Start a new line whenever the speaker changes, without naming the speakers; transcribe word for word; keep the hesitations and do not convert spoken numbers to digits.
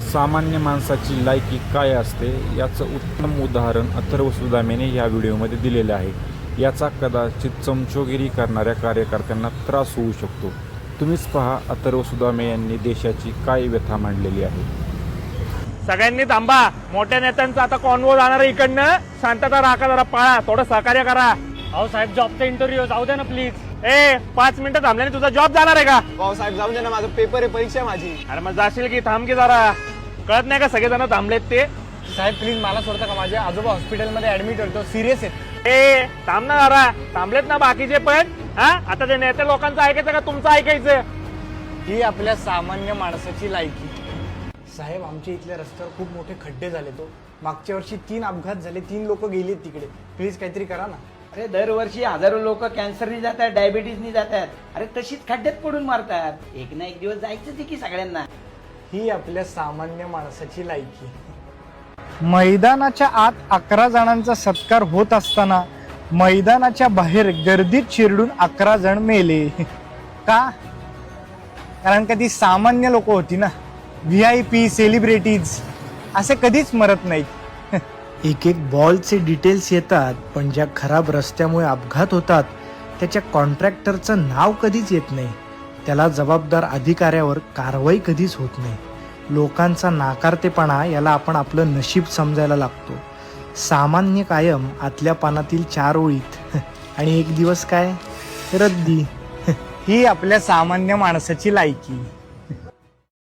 सामान्य माणसाची लायकी काय असते याचं उत्तम उदाहरण अथर्व सुदामेने या व्हिडिओमध्ये दिलेलं आहे. याचा कदाचित चमचोगिरी करणाऱ्या कार्यकर्त्यांना त्रास होऊ शकतो. तुम्हीच पहा अथर्व सुदामे यांनी देशाची काय व्यथा मांडलेली आहे.
सगळ्यांनी थांबा. मोठ्या नेत्यांचा आता कॉन्वो जाणार आहे इकडनं. शांतता राखा, जरा पाळा, थोडं सहकार्य करा.
अहो साहेब, जॉबचा इंटरव्ह्यू जाऊ द्या ना प्लीज.
ए पाच मिनिटं थांबल्याने तुझा जॉब जाणार आहे का?
भाऊ साहेब जाऊ दे ना, माझं पेपर आहे, परीक्षा आहे माझी.
अरे मग जाशील की थांब की जरा. कळत नाही का सगळेजण थांबलेत ते?
साहेब प्लीज मला सोडता का? माझे आजोबा हॉस्पिटलमध्ये ऍडमिट होतो, सिरियस आहेत.
ए थांब ना जरा. थांबलेत ना बाकीचे पण. हा आता ते नेते लोकांचं ऐकायचं का तुमचं ऐकायचं?
ही आपल्या सामान्य माणसाची लायकी. साहेब आमच्या इथल्या रस्त्यावर खूप मोठे खड्डे झाले. तो मागच्या वर्षी तीन अपघात झाले, तीन लोक गेलेत तिकडे. प्लीज काहीतरी करा ना.
अरे दरवर्षी हजारो लोक कॅन्सरनी जातात, डायबिटीजनी जातात. अरे तशीच खड्ड्यात पडून मारतात. एक ना एक दिवस जायचं की सगळ्यांना.
ही आपल्या सामान्य माणसाची लायकी. मैदानाच्या आत अकरा जणांचा सत्कार होत असताना मैदानाच्या बाहेर गर्दीत चिरडून अकरा जण मेले. का? कारण का ती सामान्य लोक होती ना. व्ही आय पी सेलिब्रिटीज असे कधीच मरत नाहीत. एक एक बॉलचे डिटेल्स येतात, पण ज्या खराब रस्त्यामुळे अपघात होतात त्याच्या कॉन्ट्रॅक्टरचं नाव कधीच येत नाही. त्याला जबाबदार अधिकाऱ्यावर कारवाई कधीच होत नाही. लोकांचा नाकारतेपणा याला आपण आपलं नशीब समजायला लागतो. सामान्य कायम आतल्या पानातील चार ओळीत आणि एक दिवस काय रद्दी. ही आपल्या सामान्य माणसाची लायकी.